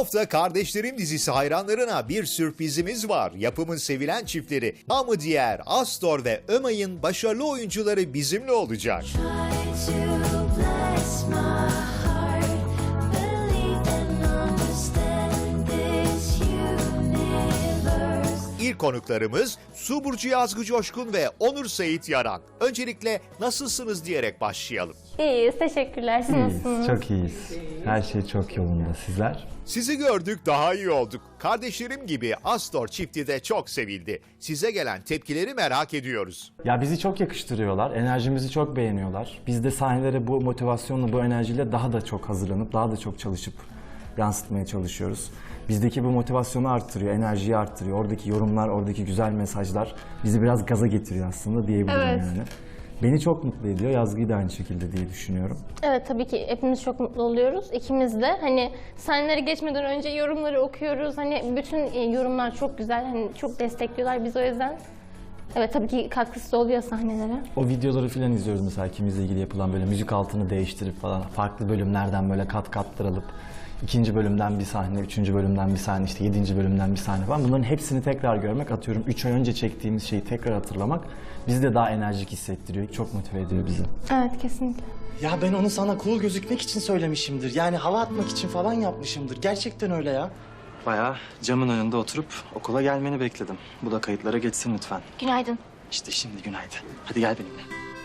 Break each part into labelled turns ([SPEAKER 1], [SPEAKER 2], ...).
[SPEAKER 1] hafta Kardeşlerim dizisi hayranlarına bir sürprizimiz var. Yapımın sevilen çiftleri namı diğer Astor ve Ömay'ın başarılı oyuncuları bizimle olacak. İlk konuklarımız Su Burcu Yazgı Coşkun ve Onur Sait Yaran. Öncelikle nasılsınız diyerek başlayalım.
[SPEAKER 2] İyiyiz, teşekkürler. Siz nasılsınız?
[SPEAKER 3] Çok iyiyiz. Her şey çok yolunda. Sizler?
[SPEAKER 1] Sizi gördük, daha iyi olduk. Kardeşlerim gibi Astor çifti de çok sevildi. Size gelen tepkileri merak ediyoruz.
[SPEAKER 3] Ya bizi çok yakıştırıyorlar. Enerjimizi çok beğeniyorlar. Biz de sahnelere bu motivasyonla, bu enerjiyle daha da çok hazırlanıp, daha da çok çalışıp yansıtmaya çalışıyoruz. Bizdeki bu motivasyonu arttırıyor, enerjiyi arttırıyor. Oradaki yorumlar, oradaki güzel mesajlar bizi biraz gaza getiriyor aslında diyebilirim
[SPEAKER 2] Evet.
[SPEAKER 3] yani. Beni çok mutlu ediyor. Yazgı'yı da aynı şekilde diye düşünüyorum.
[SPEAKER 2] Evet, tabii ki hepimiz çok mutlu oluyoruz. İkimiz de hani sahnelere geçmeden önce yorumları okuyoruz. Hani bütün yorumlar çok güzel. Hani çok destekliyorlar bizi o yüzden. Evet, tabii ki katkısı da oluyor sahnelere.
[SPEAKER 3] O videoları filan izliyoruz mesela ikimizle ilgili yapılan böyle müzik altını değiştirip falan farklı bölümlerden böyle kat alıp ikinci bölümden bir sahne, üçüncü bölümden bir sahne, işte yedinci bölümden bir sahne falan. Bunların hepsini tekrar görmek, atıyorum 3 ay önce çektiğimiz şeyi tekrar hatırlamak bizi de daha enerjik hissettiriyor. Çok motive ediyor bizi.
[SPEAKER 2] Evet, kesinlikle.
[SPEAKER 4] Ya ben onu sana cool gözükmek için söylemişimdir. Yani hava atmak için falan yapmışımdır. Gerçekten öyle ya. Bayağı camın önünde oturup okula gelmeni bekledim. Bu da kayıtlara geçsin lütfen.
[SPEAKER 2] Günaydın.
[SPEAKER 4] İşte şimdi günaydın. Hadi gel benimle.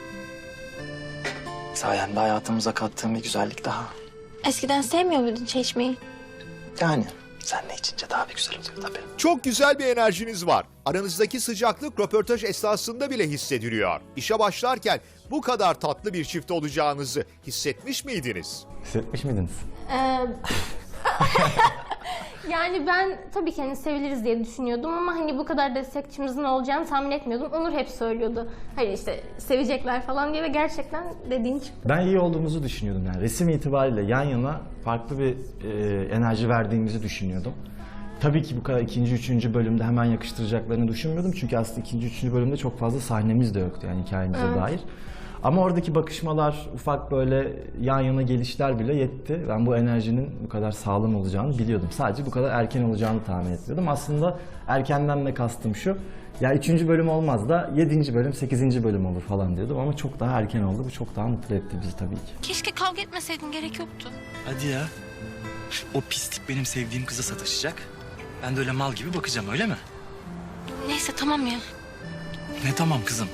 [SPEAKER 4] Sayende hayatımıza kattığım bir güzellik daha.
[SPEAKER 2] Eskiden sevmiyor muydun çay içmeyi?
[SPEAKER 4] Yani seninle içince daha bir güzel oluyor tabii.
[SPEAKER 1] Çok güzel bir enerjiniz var. Aranızdaki sıcaklık röportaj esnasında bile hissediliyor. İşe başlarken bu kadar tatlı bir çift olacağınızı hissetmiş miydiniz?
[SPEAKER 3] Hissetmiş miydiniz?
[SPEAKER 2] Yani ben tabii ki hani seviliriz diye düşünüyordum ama hani bu kadar destekçimizin olacağını tahmin etmiyordum. Onur hep söylüyordu. Hayır işte sevecekler falan diye ve gerçekten dediğin çıktı.
[SPEAKER 3] Ben iyi olduğumuzu düşünüyordum yani. Resim itibariyle yan yana farklı bir enerji verdiğimizi düşünüyordum. Tabii ki bu kadar ikinci, üçüncü bölümde hemen yakıştıracaklarını düşünmüyordum. Çünkü aslında ikinci, üçüncü bölümde çok fazla sahnemiz de yoktu yani hikayemize dair. Ama oradaki bakışmalar, ufak böyle yan yana gelişler bile yetti. Ben bu enerjinin bu kadar sağlam olacağını biliyordum. Sadece bu kadar erken olacağını tahmin etmiyordum. Aslında erkenden de kastım şu. Ya 3. bölüm olmaz da 7. bölüm, 8. bölüm olur falan diyordum. Ama çok daha erken oldu. Bu çok daha mutlu etti bizi tabii ki.
[SPEAKER 5] Keşke kavga etmeseydin, gerek yoktu.
[SPEAKER 4] Hadi ya. O pislik benim sevdiğim kıza sataşacak. Ben de öyle mal gibi bakacağım, öyle mi?
[SPEAKER 5] Neyse tamam ya.
[SPEAKER 4] Ne tamam kızım.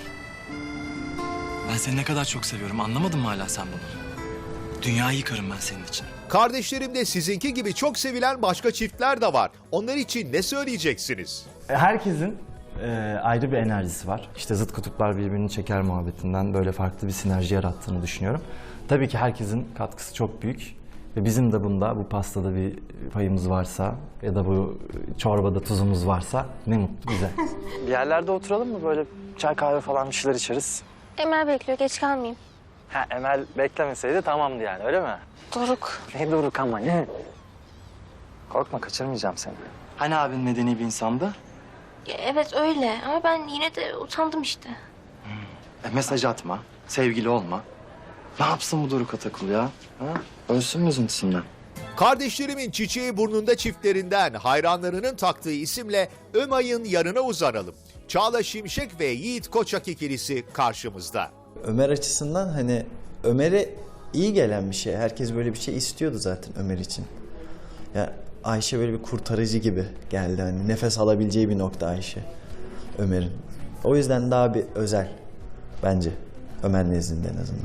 [SPEAKER 4] Ben seni ne kadar çok seviyorum. Anlamadın mı hala sen bunu? Dünyayı yıkarım ben senin için.
[SPEAKER 1] Kardeşlerimde sizinki gibi çok sevilen başka çiftler de var. Onlar için ne söyleyeceksiniz?
[SPEAKER 3] Herkesin ayrı bir enerjisi var. İşte zıt kutuplar birbirini çeker muhabbetinden böyle farklı bir sinerji yarattığını düşünüyorum. Tabii ki herkesin katkısı çok büyük. Ve bizim de bunda, bu pastada bir payımız varsa ya da bu çorbada tuzumuz varsa ne mutlu bize.
[SPEAKER 4] Bir yerlerde oturalım mı? Böyle çay kahve falan bir şeyler içeriz.
[SPEAKER 2] Emel bekliyor, geç kalmayayım.
[SPEAKER 4] Ha, Emel beklemeseydi tamamdı yani, öyle mi?
[SPEAKER 2] Doruk.
[SPEAKER 4] Ne Doruk ama ne? Korkma, kaçırmayacağım seni. Hani abin medeni bir insandı?
[SPEAKER 2] Ya, evet öyle ama ben yine de utandım işte.
[SPEAKER 4] Mesaj atma, sevgili olma. Ne yapsın bu Doruk Atakul ya? Ha? Ölsün mü üzüntüsünden?
[SPEAKER 1] Kardeşlerimin çiçeği burnunda çiftlerinden hayranlarının taktığı isimle Ömay'ın yanına uzanalım. Çağla Şimşek ve Yiğit Koçak ikilisi karşımızda.
[SPEAKER 6] Ömer açısından hani Ömer'e iyi gelen bir şey. Herkes böyle bir şey istiyordu zaten Ömer için. Ya Ayşe böyle bir kurtarıcı gibi geldi. Hani nefes alabileceği bir nokta Ayşe Ömer'in. O yüzden daha bir özel bence Ömer nezdinde en azından.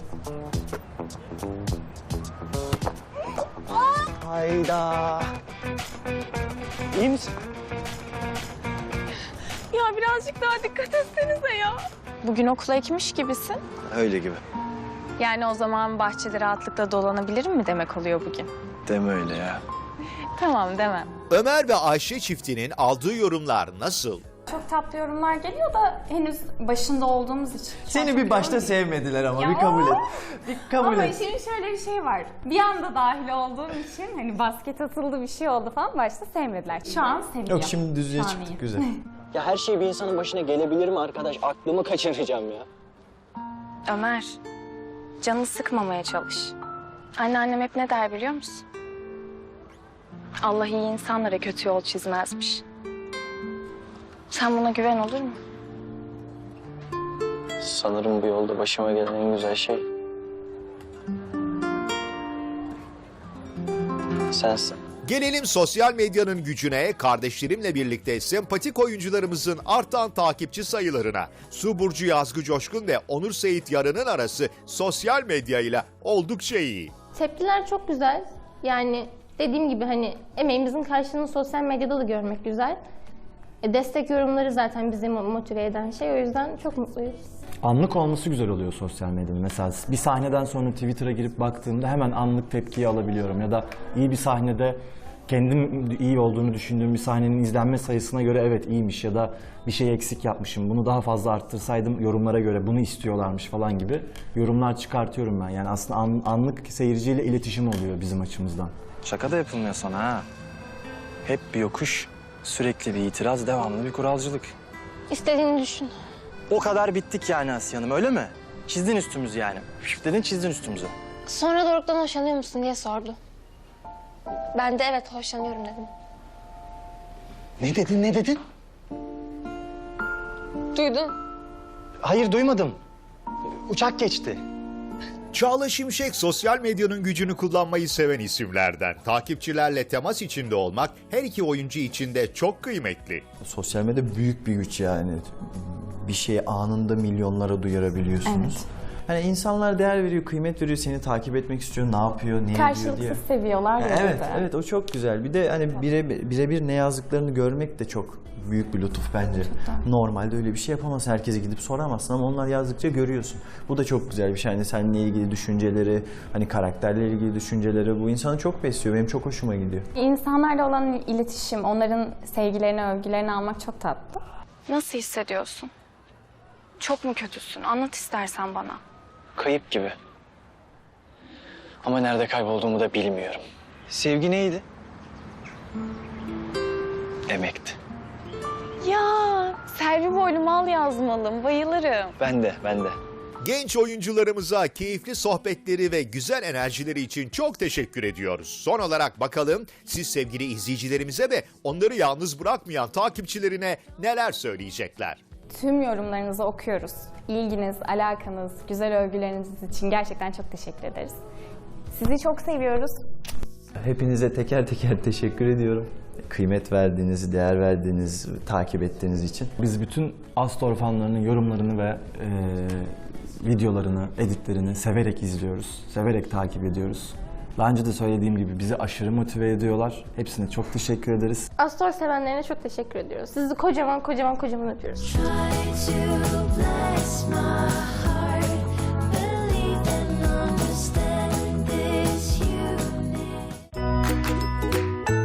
[SPEAKER 4] Hayda. İyi misin?
[SPEAKER 7] Ya birazcık daha dikkat etsenize ya. Bugün okula ekmiş gibisin.
[SPEAKER 4] Öyle gibi.
[SPEAKER 7] Yani o zaman bahçede rahatlıkla dolanabilirim mi demek oluyor bugün?
[SPEAKER 4] Deme öyle ya.
[SPEAKER 7] Tamam demem.
[SPEAKER 1] Ömer ve Ayşe çiftinin aldığı yorumlar nasıl?
[SPEAKER 8] Çok tatlı yorumlar geliyor da henüz başında olduğumuz için.
[SPEAKER 6] Seni bir başta sevmediler ama
[SPEAKER 8] Ya.
[SPEAKER 6] bir kabul et. Bir kabul
[SPEAKER 8] Ama
[SPEAKER 6] et.
[SPEAKER 8] işin şöyle bir şey var. Bir anda dahil olduğum için hani basket atıldı bir şey oldu falan başta sevmediler. Şu an seviyor.
[SPEAKER 6] Yok şimdi düzlüğe
[SPEAKER 8] Şu an
[SPEAKER 6] çıktık
[SPEAKER 8] iyi.
[SPEAKER 6] güzel.
[SPEAKER 9] Ya her şey bir insanın başına gelebilir mi arkadaş? Aklımı kaçıracağım ya.
[SPEAKER 7] Ömer, canını sıkmamaya çalış. Anneannem hep ne der biliyor musun? Allah iyi insanlara kötü yol çizmezmiş. Sen buna güven, olur mu?
[SPEAKER 9] Sanırım bu yolda başıma gelen en güzel şey sensin.
[SPEAKER 1] Gelelim sosyal medyanın gücüne, kardeşlerimle birlikte sempatik oyuncularımızın artan takipçi sayılarına. Su Burcu Yazgı Coşkun ve Onur Seyit Yarın'ın arası sosyal medyayla oldukça iyi.
[SPEAKER 2] Tepkiler çok güzel. Yani dediğim gibi hani emeğimizin karşılığını sosyal medyada da görmek güzel. Destek yorumları zaten bizi motive eden şey. O yüzden çok mutluyuz.
[SPEAKER 3] Anlık olması güzel oluyor sosyal medyada. Mesela bir sahneden sonra Twitter'a girip baktığımda hemen anlık tepkiyi alabiliyorum. Ya da iyi bir sahnede kendim iyi olduğunu düşündüğüm bir sahnenin izlenme sayısına göre evet iyiymiş ya da bir şey eksik yapmışım. Bunu daha fazla arttırsaydım yorumlara göre bunu istiyorlarmış falan gibi yorumlar çıkartıyorum ben. Yani aslında anlık seyirciyle iletişim oluyor bizim açımızdan.
[SPEAKER 4] Şaka da yapılmıyor sana ha. Hep bir yokuş, sürekli bir itiraz, devamlı bir kuralcılık.
[SPEAKER 2] İstediğini düşün.
[SPEAKER 4] O kadar bittik yani Asiye Hanım, öyle mi? Çizdin üstümüzü yani. Şif dedin, çizdin üstümüzü.
[SPEAKER 2] Sonra Doruk'tan hoşlanıyor musun diye sordu. Ben de evet hoşlanıyorum dedim.
[SPEAKER 4] Ne dedin?
[SPEAKER 2] Duydun.
[SPEAKER 4] Hayır, duymadım. Uçak geçti.
[SPEAKER 1] Çağla Şimşek sosyal medyanın gücünü kullanmayı seven isimlerden. Takipçilerle temas içinde olmak her iki oyuncu için de çok kıymetli.
[SPEAKER 6] Sosyal medya büyük bir güç yani. Bir şeyi anında milyonlara duyurabiliyorsunuz.
[SPEAKER 8] Evet.
[SPEAKER 6] Hani insanlar değer veriyor, kıymet veriyor, seni takip etmek istiyor, ne yapıyor, ne ediyor diye.
[SPEAKER 8] Karşılıksız seviyorlar ya.
[SPEAKER 6] Evet,
[SPEAKER 8] bir de.
[SPEAKER 6] evet o çok güzel. Bir de hani birebir ne yazdıklarını görmek de çok büyük bir lütuf bence. Normalde öyle bir şey yapamazsın. Herkese gidip soramazsın ama onlar yazdıkça görüyorsun. Bu da çok güzel bir şey. Hani seninle ilgili düşünceleri, hani karakterle ilgili düşünceleri bu insanı çok besliyor. Benim çok hoşuma gidiyor.
[SPEAKER 8] İnsanlarla olan iletişim, onların sevgilerini, övgülerini almak çok tatlı.
[SPEAKER 7] Nasıl hissediyorsun? Çok mu kötüsün? Anlat istersen bana.
[SPEAKER 9] Kayıp gibi. Ama nerede kaybolduğumu da bilmiyorum.
[SPEAKER 4] Sevgi neydi?
[SPEAKER 9] Emekti.
[SPEAKER 7] Ya Selvi boylu mal yazmalım. Bayılırım.
[SPEAKER 9] Ben de.
[SPEAKER 1] Genç oyuncularımıza keyifli sohbetleri ve güzel enerjileri için çok teşekkür ediyoruz. Son olarak bakalım siz sevgili izleyicilerimize ve onları yalnız bırakmayan takipçilerine neler söyleyecekler?
[SPEAKER 8] Tüm yorumlarınızı okuyoruz. İlginiz, alakanız, güzel övgüleriniz için gerçekten çok teşekkür ederiz. Sizi çok seviyoruz.
[SPEAKER 6] Hepinize teker teker teşekkür ediyorum. Kıymet verdiğiniz, değer verdiğiniz, takip ettiğiniz için.
[SPEAKER 3] Biz bütün Astor fanlarının yorumlarını ve videolarını, editlerini severek izliyoruz. Severek takip ediyoruz. Daha önce de söylediğim gibi bizi aşırı motive ediyorlar. Hepsine çok teşekkür ederiz.
[SPEAKER 2] Astor sevenlerine çok teşekkür ediyoruz. Sizi kocaman öpüyoruz.
[SPEAKER 10] Try to bless my heart.